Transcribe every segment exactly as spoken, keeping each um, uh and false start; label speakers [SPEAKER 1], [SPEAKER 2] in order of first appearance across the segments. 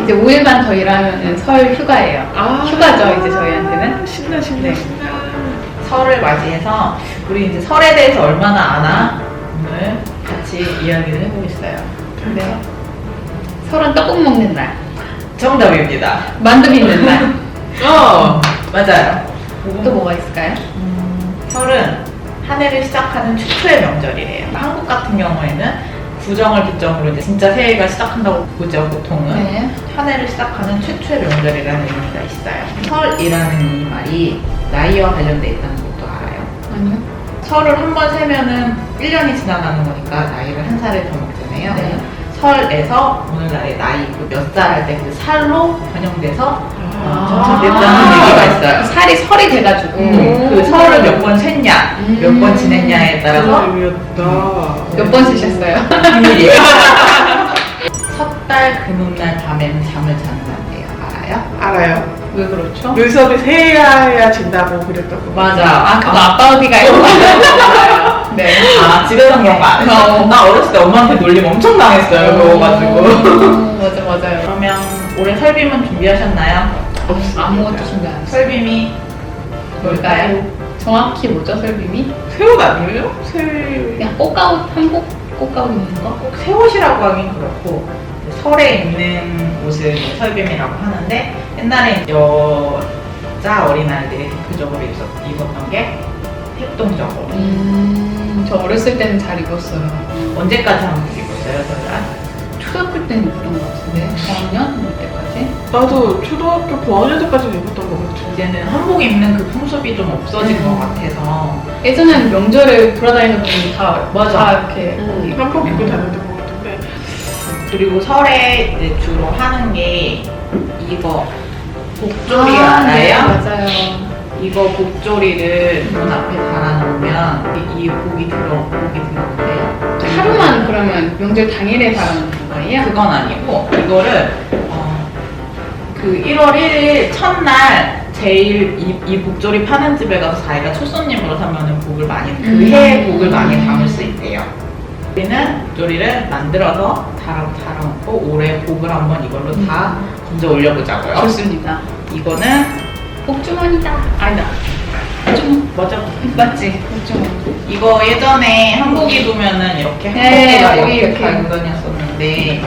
[SPEAKER 1] 이제 오 일만 더 일하면 설 휴가예요.
[SPEAKER 2] 아,
[SPEAKER 1] 휴가죠, 이제 저희한테는.
[SPEAKER 2] 신나, 신나,
[SPEAKER 3] 네.
[SPEAKER 2] 신나.
[SPEAKER 3] 설을 맞이해서 우리 이제 설에 대해서 얼마나 아나 오늘 같이 이야기를 해보겠어요.
[SPEAKER 1] 네. 설은 떡국 먹는 날,
[SPEAKER 3] 정답입니다.
[SPEAKER 1] 만두 빚는 날.
[SPEAKER 3] 어 맞아요.
[SPEAKER 1] 또 뭐가 있을까요?
[SPEAKER 3] 음, 설은 한 해를 시작하는 최초의 명절이래요. 한국 같은 경우에는 구정을 기점으로 이제 진짜 새해가 시작한다고 보죠, 보통은.
[SPEAKER 1] 네.
[SPEAKER 3] 한 해를 시작하는 최초의 명절이라는 의미가 있어요. 설이라는 이 말이 나이와 관련돼 있다는 것도 알아요.
[SPEAKER 1] 아니요.
[SPEAKER 3] 설을 한 번 세면은 일 년이 지나가는 거니까 나이를 한 살을 더 먹잖아요.
[SPEAKER 1] 네.
[SPEAKER 3] 설에서 오늘날의 나이 몇 살 할 때 그 살로 변형돼서
[SPEAKER 1] 아.
[SPEAKER 3] 됐다는 얘기가 있어요.
[SPEAKER 1] 살이 설이 돼가지고.
[SPEAKER 3] 음, 그 설을 몇 번 셌냐,
[SPEAKER 1] 음.
[SPEAKER 3] 몇 번 지냈냐에 따라서
[SPEAKER 2] 그런 의미였다.
[SPEAKER 1] 몇 번 쓰셨어요?
[SPEAKER 3] 비밀이에요. 섣달 금음날 밤에는 잠을 자는 날이에요. 알아요?
[SPEAKER 2] 알아요.
[SPEAKER 1] 왜 그렇죠?
[SPEAKER 2] 눈썹이 새야야 진다고 그랬다고.
[SPEAKER 3] 맞아.
[SPEAKER 1] 아, 그거 아빠 어디가 있고. 네.
[SPEAKER 3] 아, 집에서 그런 거 안 했어.
[SPEAKER 1] 어.
[SPEAKER 3] 나 어렸을 때 엄마한테 놀림 엄청 당했어요. 그거가지고.
[SPEAKER 1] 음, 맞아, 맞아요.
[SPEAKER 3] 그러면 올해 설빔은 준비하셨나요?
[SPEAKER 2] 없습니다.
[SPEAKER 1] 아무것도 준비 안 했어요.
[SPEAKER 3] 설빔이
[SPEAKER 1] 뭘까요? 정확히 뭐죠, 설빔이?
[SPEAKER 2] 새옷 아니에요? 새.
[SPEAKER 1] 그냥 꽃가옷, 한복 꽃가옷 입는 거?
[SPEAKER 3] 꼭 새 옷이라고 하긴 그렇고 설에 입는 옷을 설빔이라고 하는데 옛날에 여자 어린아이들이 대표적으로 입었, 입었던 게 heb동적으로.
[SPEAKER 1] 음, 저 어렸을 때는 잘 입었어요.
[SPEAKER 3] 언제까지 한복 입었어요, 저희가?
[SPEAKER 1] 초등학교 때는 입던 것 같은데, 저학년? 뭐 때까지?
[SPEAKER 2] 나도 초등학교 고학년 때까지 입었던 것 같아.
[SPEAKER 3] 이제는 한복 입는 그 풍습이 좀 없어진 것 같아서
[SPEAKER 1] 예전에는 명절에 돌아다니는 분이 다,
[SPEAKER 3] 맞아.
[SPEAKER 1] 다 이렇게
[SPEAKER 2] 음,
[SPEAKER 1] 입고.
[SPEAKER 2] 한복 입고 다녔던 것 같은데.
[SPEAKER 3] 그리고 설에 이제 주로 하는 게 이거 복조리
[SPEAKER 1] 아, 네,
[SPEAKER 3] 알아요?
[SPEAKER 1] 맞아요.
[SPEAKER 3] 이거 복조리를 문 앞에 달아놓으면 이, 이 복이 들어 복이 들어온대요.
[SPEAKER 1] 하루만 그러면 명절 당일에 달아놓는 거예요?
[SPEAKER 3] 그건 아니고 이거를 어, 그 일월 일일 첫날 제일 이, 이 복조리 파는 집에 가서 자기가 첫 손님으로 사면은 복을 많이 그
[SPEAKER 1] 음.
[SPEAKER 3] 해의 복을 많이 담을 수 있대요. 우리는 복조리를 만들어서 달아 달아놓고 올해 복을 한번 이걸로 다 건져 올려보자고요.
[SPEAKER 1] 좋습니다.
[SPEAKER 3] 이거는
[SPEAKER 1] 복주머니다. 아니다. 복주머.
[SPEAKER 3] 맞아.
[SPEAKER 1] 맞지? 복주머니.
[SPEAKER 3] 이거 예전에 한복 입으면은 이렇게
[SPEAKER 1] 네,
[SPEAKER 3] 한복에다
[SPEAKER 1] 여기
[SPEAKER 3] 이렇게
[SPEAKER 1] 이렇게.
[SPEAKER 3] 달고 다녔었는데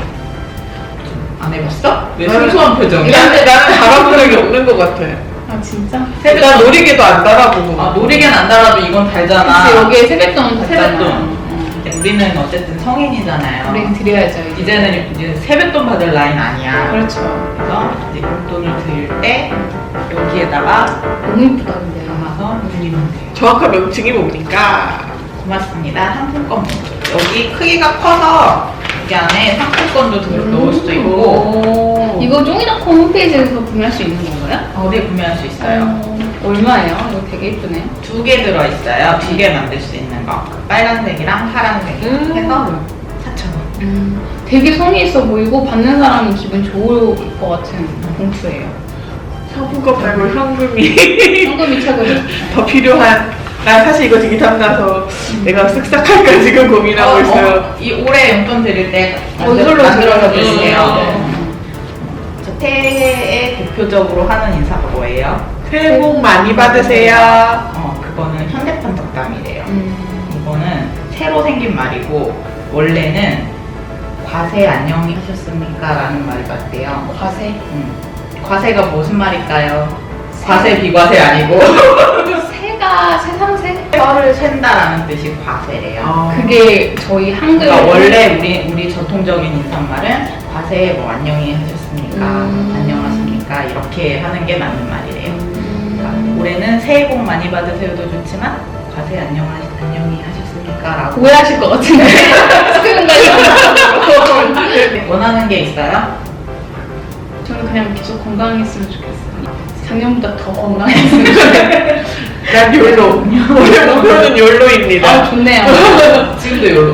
[SPEAKER 3] 안 해봤어? 왜
[SPEAKER 2] 나는-
[SPEAKER 3] 순수한 표정이야?
[SPEAKER 2] 나는, 나는 달아본 적이 없는 것 같아.
[SPEAKER 1] 아, 진짜?
[SPEAKER 2] 나 놀이개도 안 달아보고.
[SPEAKER 3] 아 놀이개는 안 달아도 이건 달잖아.
[SPEAKER 1] 그치, 여기에 세뱃돈
[SPEAKER 3] 세뱃돈.
[SPEAKER 1] 받잖아. 어.
[SPEAKER 3] 우리는 어쨌든 성인이잖아요.
[SPEAKER 1] 우리는 드려야죠. 이제.
[SPEAKER 3] 이제는 이제 세뱃돈 받을 나이는 아니야.
[SPEAKER 1] 그렇죠.
[SPEAKER 3] 그래서 이제 용돈을 드릴 때 여기에다가
[SPEAKER 1] 너무 이쁘다, 근데.
[SPEAKER 3] 담아서 드리면 돼요.
[SPEAKER 2] 정확한 명칭이 뭡니까?
[SPEAKER 3] 고맙습니다. 상품권 여기 크기가 커서 여기 안에 상품권도 들 넣을 수도 있고
[SPEAKER 1] 오. 이거 쫑이닷컴 홈페이지에서 구매할 수 있는 건가요?
[SPEAKER 3] 어디에 구매할 수 있어요.
[SPEAKER 1] 어, 얼마예요? 이거 되게 이쁘네요.
[SPEAKER 3] 두 개 들어있어요. 두 개 만들 수 있는 거. 빨간색이랑 파란색
[SPEAKER 2] 음.
[SPEAKER 3] 해서 사천 원.
[SPEAKER 1] 음, 되게 성의 있어 보이고 받는 사람은 기분 좋을 것 같은 봉투예요.
[SPEAKER 2] 상품권 말고 현금이
[SPEAKER 1] 현금이 최고죠.
[SPEAKER 2] 더 필요한. 난 사실 이거 되게 탐나서 내가 쓱싹할까 지금 고민하고
[SPEAKER 3] 어,
[SPEAKER 2] 있어요.
[SPEAKER 3] 어, 이 올해 용돈 드릴 때
[SPEAKER 1] 어, 이걸로
[SPEAKER 3] 만들어서
[SPEAKER 1] 드려요.
[SPEAKER 3] 주세요.
[SPEAKER 1] 네.
[SPEAKER 3] 저 새해에 대표적으로 하는 인사가 뭐예요?
[SPEAKER 2] 새해 복 많이 받으세요.
[SPEAKER 3] 어, 그거는 현대판 덕담이래요.
[SPEAKER 1] 음,
[SPEAKER 3] 이거는 새로 생긴 말이고 원래는 과세 안녕히 하셨습니까? 라는 말 같대요.
[SPEAKER 1] 과세.
[SPEAKER 3] 음. 과세가 무슨 말일까요? 과세 비과세 아니고
[SPEAKER 1] 새가 세상새?
[SPEAKER 3] 뼈를 샌다라는 뜻이 과세래요.
[SPEAKER 2] 어.
[SPEAKER 1] 그게 저희 한글.
[SPEAKER 3] 그러니까 원래 우리 우리 전통적인 인사말은 과세 뭐 안녕히 하셨습니까?
[SPEAKER 1] 음.
[SPEAKER 3] 안녕하십니까? 이렇게 하는 게 맞는 말이래요. 그러니까
[SPEAKER 1] 음,
[SPEAKER 3] 올해는 새해 복 많이 받으세요도 좋지만 과세 안녕하, 안녕히 하셨습니까? 라고
[SPEAKER 1] 오해하실 것 같은데. 스크린까지.
[SPEAKER 3] 원하는 게 있어요?
[SPEAKER 1] 저는 그냥 계속 건강했으면 좋겠어요. 작년보다 더 건강했으면 좋겠어요.
[SPEAKER 2] 난 욜로. 올해 목표는 욜로입니다.
[SPEAKER 1] 아, 좋네요.
[SPEAKER 3] 지금도 요로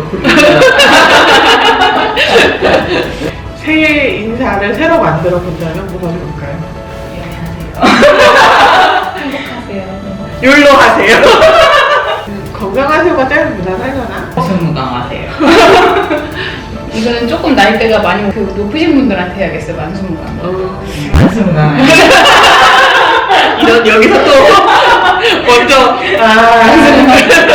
[SPEAKER 2] 새해 인사를 새로 만들어 본다면 뭐가 좋을까요?
[SPEAKER 1] 행복하세요.
[SPEAKER 2] 욜로 하세요. 건강하세요가 제일 무난하려나?
[SPEAKER 3] 무슨 무강하세요?
[SPEAKER 1] 이거는 조금 나이대가 많이 그 높으신 분들한테 해야겠어요. 만수무강.
[SPEAKER 2] 어,
[SPEAKER 3] 만수무강.
[SPEAKER 2] 이런 여기서 또 먼저 아